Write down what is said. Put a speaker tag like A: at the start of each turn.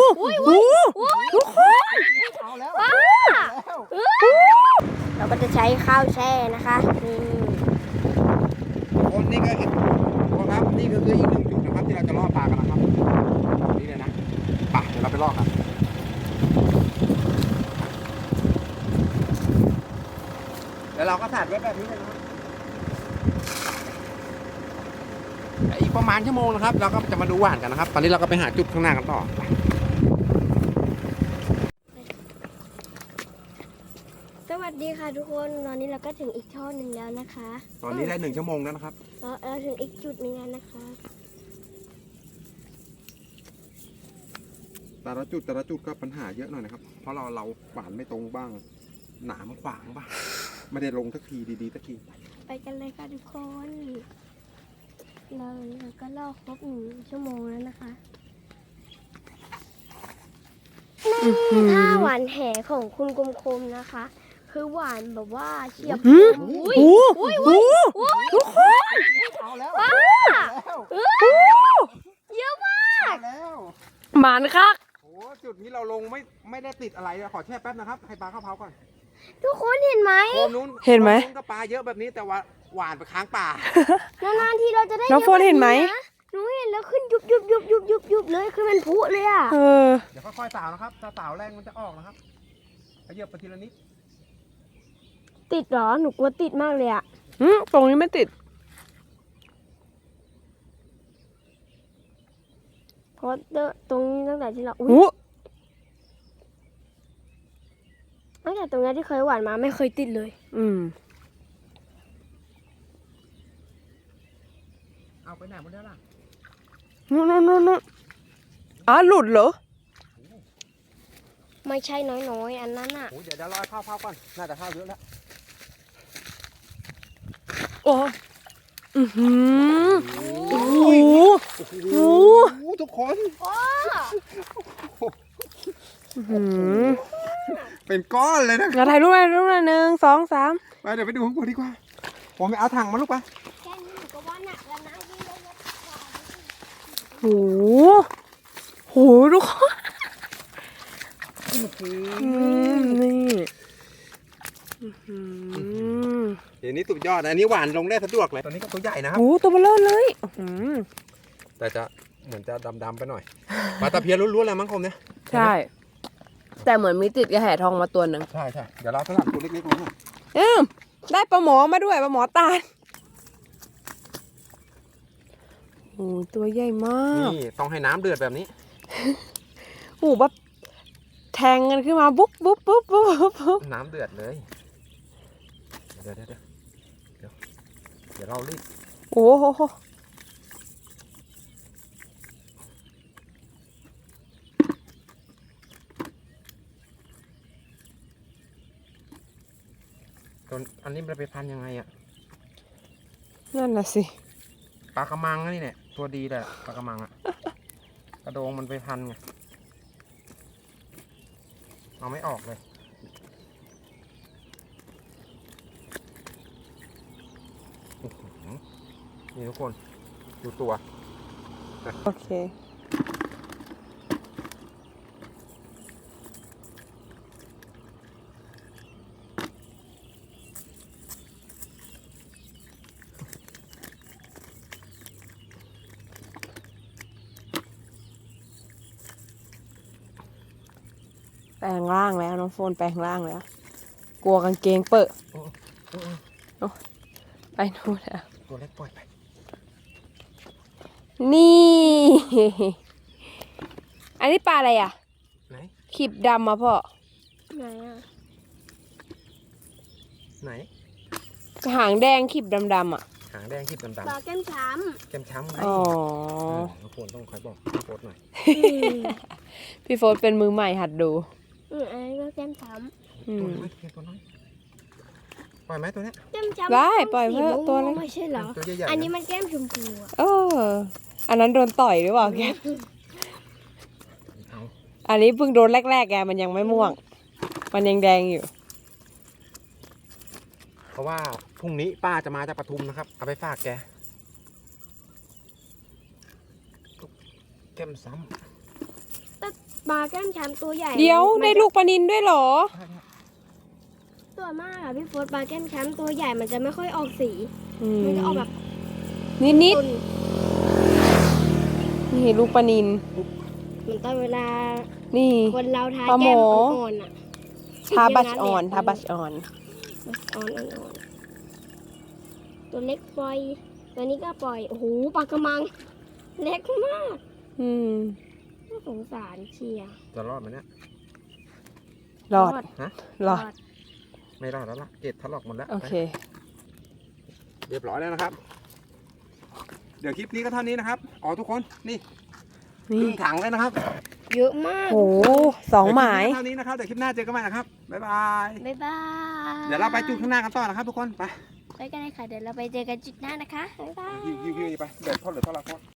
A: ทุกคน
B: เอาแล้ว
A: เราก็จะใช้ข้าวแช่นะคะ
B: คนนี่ก็ครับนี่ก็คืออีกหนึ่งจุดนะครับที่เราจะล่อปลากันนะครับนี่เลยนะไปเดี๋ยวเราไปล่อกันแล้วเราก็สาดไว้แบบนี้เลยนะอีกประมาณชั่วโมงนะครับเราก็จะมาดูหวานกันนะครับตอนนี้เราก็ไปหาจุดข้างหน้ากันต่อ
A: สวัสดีค่ะทุกคนตอนนี้เราก็ถึงอีกช่อหนึ่งแล้วนะคะ
B: ตอนนี้ได้1 ชั่วโมงแล้วนะครับ
A: เราถึงอีกจุดหนึ่งแล้วนะคะ
B: แต่ละจุดก็ปัญหาเยอะหน่อยนะครับเพราะเราหวานไม่ตรงบ้างหนามขวางบ้างไม่ได้ลงสักทีดีๆสักที
A: ไปกันเลยค่ะทุกคนเราก็ล่อครบ1 ชั่วโมงแล้วนะคะถ้าหวานแหของคุณคมๆนะคะคือหวานแบบว่าเฉียบทุกคน
B: เอาแล้ว
A: เยอะมาก
C: หมานคัก
B: โอ้จุดนี้เราลงไม่ได้ติดอะไรขอแช่แป๊บนะครับให้ปลาเข้าเผาก่อน
A: ทุกคนเห็นไหม
C: เห็นไหม
B: ก็ปลาเยอะแบบนี้แต่ว่าหวานไปค้างป่
A: านานๆทีเราจะได้
C: น้องโฟนเห็นไหม
A: หนูเห็นแล้วขึ้นยุบเลยคือมันพุเลยอ่ะ
B: เดี๋ยวค่อยๆสาวนะครับถ้าสาวแรงมันจะออกนะครับขยับไปทีละนิด
A: ติดเหรอหนูกลัวติดมากเลยอ่ะ
C: ตรงนี้ไม่ติด
A: เพราะตรงนี้ตั้งแต่ที่เราตั้งแต่ตรงนี้ที่เคยหวานมาไม่เคยติดเลย
B: เอาไปไหนหมดแล้วล่ะ
C: นู่นหลุดเหรอ
A: ไม่ใช่น้อยอันนั้นอ่ะ
B: เดี๋ยวรอเข้าก่อนน่าจะเข้าเยอะแล้ว
C: โอ้
B: ทุกคนเป็นก้อนเลยนะ
C: เราถ่ายรูปเลย1 2 3
B: ไปเดี๋ยวไปดูข้างบนดีกว่าผมไปเอาถังมาลูกไป
A: แค่นี้หนูก็ว่าหนักแล้วนะ
C: ทุกคนนี่
B: เดี๋ยวนี้สุดยอดอันนี้หวานลงได้สะดวกเลยตอนนี้ก็ตัวใหญ่นะครับ
C: ตัวเบลอเลย
B: แต่จะเหมือนจะดำๆไปหน่อยปลาตะเพียนล้วนๆเลยมั้งคมเนี่ย
C: ใช่แต่เหมือนมีติดกระแหทองมาตัวหนึ่ง
B: ใช่เดี๋ยวเราสลับตัวเล็กๆลง
C: ได้ปลาหมอมาด้วยปลาหมอตาลตัวใหญ่มาก
B: นี่ต้องให้น้ำเดือดแบบนี้
C: แบบแทงกันขึ้นมาบุ๊บ
B: น้ำเดือดเลยเดี๋ยวเรารีบ
C: โอ้โห
B: อันนี้มันไปพันยังไงอ่ะ
C: นั่นน่ะสิ
B: ปลากระมังนี่เนี่ยตัวดีเลยปลากระมังอ่ะกระโดงมันไปพันไงเอาไม่ออกเลยนี่ทุกคนดูตัว
C: โอเคแปลงร่างแล้วน้องโฟนแปลงร่างแล้วกลัวกางเกงเปิดไปนู่นแล้ว
B: ตัวเล็กปล่อยไป
C: นี่อันนี้ปลาอะไรอ่ะ
B: ไหน
C: ขีบดำมาพ่อ
A: ไหนอ่ะ
B: ไหน
C: หางแดงขีบดำอ่ะ
B: หางแดงขีบดำ
A: ปลาแก้มช้
B: ำไงทุกคนต้องคอยบอกพี่โฟร์หน่อย
C: พี่โฟร์เป็นมือใหม่หัดดู
A: อันนี้ก็แก้มช้
B: ตัวน้อยตัวน้อยปล่อยไหมตัวนี้
A: แก้มช้ำ
C: ได้ปล่อยเพื่อตัวนี้
A: ไม่ใช่เหรออันนี้มันแก้มชมพู
C: อันนั้นโดนต่อยหรือเปล่าแกอันนี้เพิ่งโดนแรกๆแกมันยังไม่ม่วงมันยังแดงอยู่
B: เพราะว่าพรุ่งนี้ป้าจะมาจากปทุมนะครับเอาไปฝากแกแก้มซ้ำ
A: ปลาแก้มช้ำตัวใหญ่
C: เดี๋ยว
A: มัน
C: ได้
A: จะ
C: ลูกปลานิลด้วยเหรอ
A: ตัวมากอะพี่โฟสปลาแก้มช้ำตัวใหญ่มันจะไม่ค่อยออกสี มันจะออกแบบ
C: นิด
A: ตุ่น
C: ๆนี่ลูกปลานิล
A: เหมือนตอนเวลา
C: นี่
A: คนเราทา
C: ปลาหม
A: แก้ม
C: อ
A: อ่อนๆอะ
C: ทาบัชออนทาบัชออน
A: อ่อนๆตัวเล็กปล่อย ตัวนี้ก็ปล่อย โอ้โหปลากระมัง เล็กมาก
C: อืม
A: น่าสงสารเชียร์
B: จะรอดไหมเนี่ย
C: รอด
B: ฮะ
C: รอด
B: ไม่รอดแล้วล่ะเกล็ดถลอกหมดแล้ว
C: โอเค
B: เรียบร้อยแล้วนะครับ เดี๋ยวคลิปนี้ก็เท่านี้นะครับอ๋อทุกคนนี่ค
C: นี่
B: รึ่งถังเลยนะครับ
A: เยอะมาก
C: โหสองหมาย
B: เดี๋วคลิปนี้ก็เท่านี้นะครับเดี๋ยวคลิปหน้าเจอกันใหม่นะครับบ๊ายบาย
A: บ๊ายบาย
B: เดี๋ยวเราไปจุดข้างหน้ากันต่อนะครับ ทุกคนไป
A: ไปกันเลยค่ะ เดี๋ยวเราไปเจอกันจุดหน้านะคะ บ๊ายบาย
B: ยิงไปเดี๋ยวทอดเดี๋ยวทอดละทอด